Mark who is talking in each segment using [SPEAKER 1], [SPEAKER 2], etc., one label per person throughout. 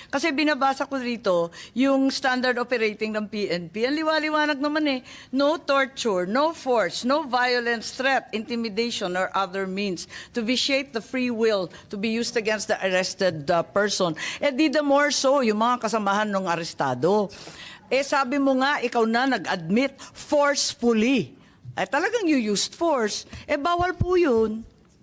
[SPEAKER 1] Kasi binabasa ko dito yung standard operating ng PNP. Ang liwaliwanag naman eh, no torture, no force, no violence, threat, intimidation, or other means to vitiate the free will to be used against the arrested person. Eh di the more so, yung mga kasamahan ng arestado. Eh sabi mo nga, ikaw na nag-admit forcefully. Eh talagang you used force. Eh bawal po yun.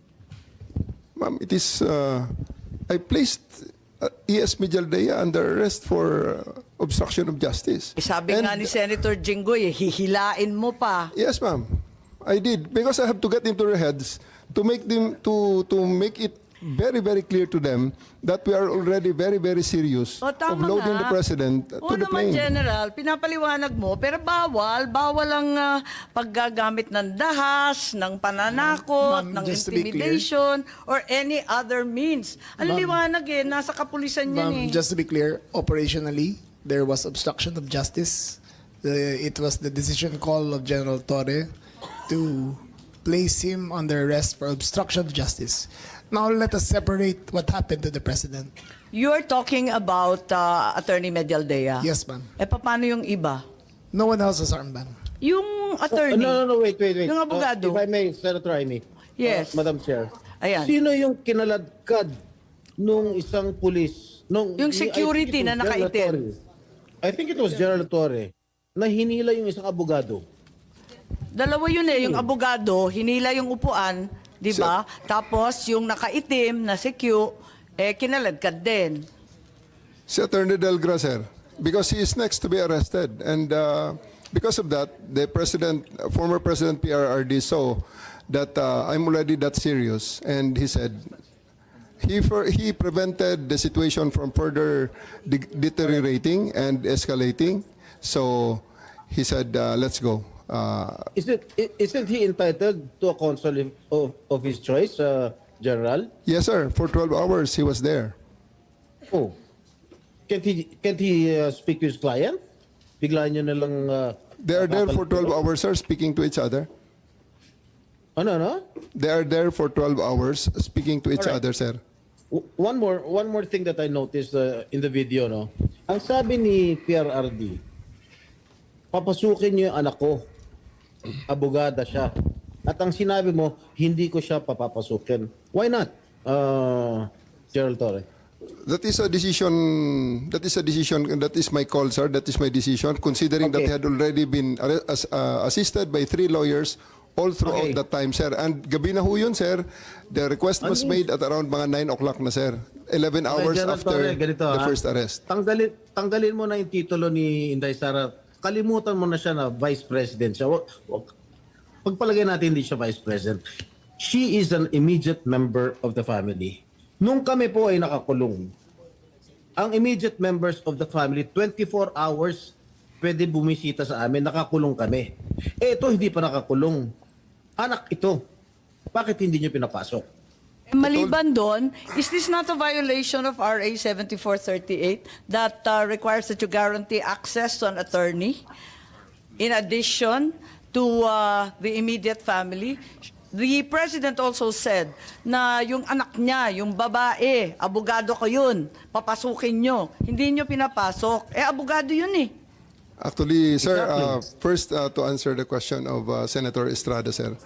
[SPEAKER 2] Ma'am, it is, I placed E.S. Mijaldea under arrest for obstruction of justice.
[SPEAKER 1] Eh, sabi nga ni Senator Jinggoy, hihilain mo pa.
[SPEAKER 2] Yes, ma'am. I did. Because I have to get into their heads to make them, to make it very, very clear to them that we are already very, very serious
[SPEAKER 1] O,
[SPEAKER 2] of
[SPEAKER 1] tama
[SPEAKER 2] loading
[SPEAKER 1] nga.
[SPEAKER 2] the President to
[SPEAKER 1] Oo
[SPEAKER 2] the
[SPEAKER 1] naman,
[SPEAKER 2] plane.
[SPEAKER 1] General, pinapaliwanag mo, pero bawal ang paggagamit ng dahas, ng pananakot,
[SPEAKER 3] Ma'am,
[SPEAKER 1] ng
[SPEAKER 3] just to be
[SPEAKER 1] intimidation, or any other means. Ang liwanag eh, nasa kapulisan yan eh.
[SPEAKER 3] Just to be clear, operationally, there was obstruction of justice. It was the decision call of General Torre to place him under arrest for obstruction of justice. Now let us separate what happened to the President.
[SPEAKER 1] You're talking about Attorney Medialdea.
[SPEAKER 3] Yes, ma'am.
[SPEAKER 1] Eh, paano yung iba?
[SPEAKER 3] No one else has armband.
[SPEAKER 1] Yung attorney.
[SPEAKER 4] No, wait.
[SPEAKER 1] Yung abogado.
[SPEAKER 4] If I may, Senator Amy.
[SPEAKER 1] Yes.
[SPEAKER 4] Madam Chair.
[SPEAKER 1] Ayan.
[SPEAKER 4] Sino yung kinaladkad nung isang pulis?
[SPEAKER 1] Yung security na nakaitim.
[SPEAKER 4] I think it was General Torre na hinila yung isang abogado.
[SPEAKER 1] Dalawa yun eh, yung abogado, hinila yung upuan, di ba? Tapos yung nakaitim na si Q, eh kinaladkad din.
[SPEAKER 2] Si Attorney Delgra, sir, because he is next to be arrested. And because of that, the president, former President PRRD saw that I'm already that serious. And he said, he prevented the situation from further deteriorating and escalating. So he said, let's go.
[SPEAKER 4] Isn't he entitled to a counsel of his choice, General?
[SPEAKER 2] Yes, sir. For 12 hours, he was there.
[SPEAKER 4] Oh. Can't he speak to his client? Bigla niyo na lang...
[SPEAKER 2] They are there for 12 hours, sir, speaking to each other.
[SPEAKER 4] Ano?
[SPEAKER 2] They are there for 12 hours speaking to each
[SPEAKER 4] Alright.
[SPEAKER 2] other, sir.
[SPEAKER 4] One more thing that I noticed in the video, no? Ang sabi ni PRRD, papasukin niyo yung anak ko. Abogada siya. At ang sinabi mo, hindi ko siya papapasukin. Why not, Gerald Torre?
[SPEAKER 2] That is a decision. That is my call, sir. That is my decision. Considering that
[SPEAKER 4] Okay.
[SPEAKER 2] he had already been assisted by 3 lawyers all throughout
[SPEAKER 4] Okay.
[SPEAKER 2] that time, sir. And gabi na ho yun, sir. The request was made at around mga 9 o'clock na, sir. 11 hours
[SPEAKER 4] General
[SPEAKER 2] after
[SPEAKER 4] Torre, ganito,
[SPEAKER 2] the
[SPEAKER 4] ha?
[SPEAKER 2] first arrest.
[SPEAKER 4] Tanggalin mo na yung titulo ni Inday Sara. Kalimutan mo na siya na Vice President siya. Pagpalagay natin hindi siya Vice President. She is an immediate member of the family. Nung kami po ay nakakulong, ang immediate members of the family, 24 hours pwede bumisita sa amin, nakakulong kami. Eh ito hindi pa nakakulong. Anak ito. Bakit hindi niyo pinapasok?
[SPEAKER 1] Eh, maliban doon, is this not a violation of RA 7438 that requires that you guarantee access to an attorney in addition to the immediate family? The President also said na yung anak niya, yung babae, abogado ko yun, papasukin nyo. Hindi nyo pinapasok. Eh, abogado yun eh.
[SPEAKER 2] Actually, sir,
[SPEAKER 4] Exactly.
[SPEAKER 2] first to answer the question of Senator Estrada, sir.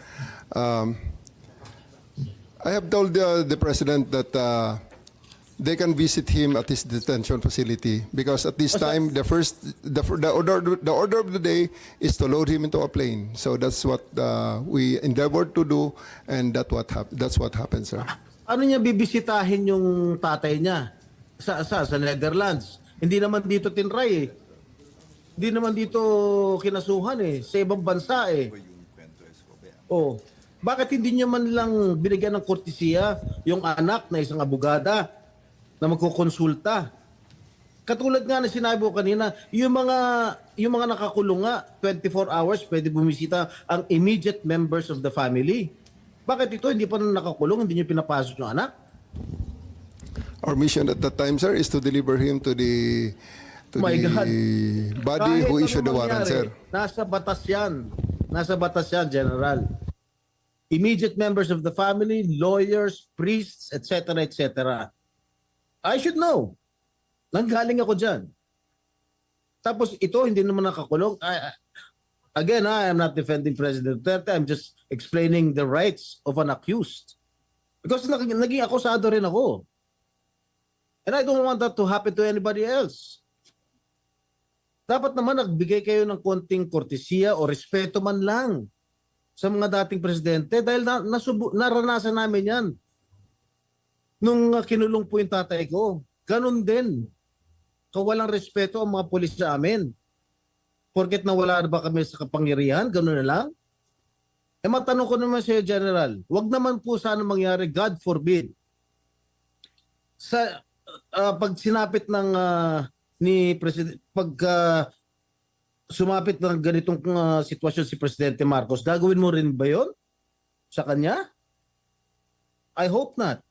[SPEAKER 2] I have told the President that they can visit him at his detention facility because at this time the order of the day is to load him into a plane. So that's what we endeavored to do, and that's what happened, sir.
[SPEAKER 4] Ano niya bibisitahin yung tatay niya sa Netherlands? Hindi naman dito tinray eh. Hindi naman dito kinasuhan eh. Sa ibang bansa eh. Oh, bakit hindi niyo man lang binigyan ng kortesiya yung anak na isang abogada na magkukonsulta? Katulad nga na sinabi ko kanina, yung mga nakakulong nga, 24 hours pwede bumisita ang immediate members of the family. Bakit ito hindi pa nakakulong, hindi niyo pinapasok yung anak?
[SPEAKER 2] Our mission at that time, sir, is to deliver him to the
[SPEAKER 4] My God.
[SPEAKER 2] body who
[SPEAKER 4] Kahit
[SPEAKER 2] issued the
[SPEAKER 4] ano
[SPEAKER 2] warrant,
[SPEAKER 4] mangyari,
[SPEAKER 2] sir.
[SPEAKER 4] Nasa batas yan. Nasa batas yan, General. Immediate members of the family, lawyers, priests, etc., etc. I should know. Nanggaling ako dyan. Tapos ito, hindi naman nakakulong. Again, I am not defending President Duterte. I'm just explaining the rights of an accused. Because naging akusado rin ako. And I don't want that to happen to anybody else. Dapat naman nagbigay kayo ng konting kortesiya o respeto man lang sa mga dating presidente dahil naranasan namin yan. Nung kinulong po yung tatay ko, ganun din. Kawalang respeto ang mga pulis sa amin. Porket nawala na ba kami sa kapangyarihan, ganun na lang. Matanong ko naman sa General, wag naman po sana mangyari, God forbid. Sa pag sinapit ng ni President, pag sumapit ng ganitong sitwasyon si Presidente Marcos, gagawin mo rin ba 'yon sa kanya? I hope not.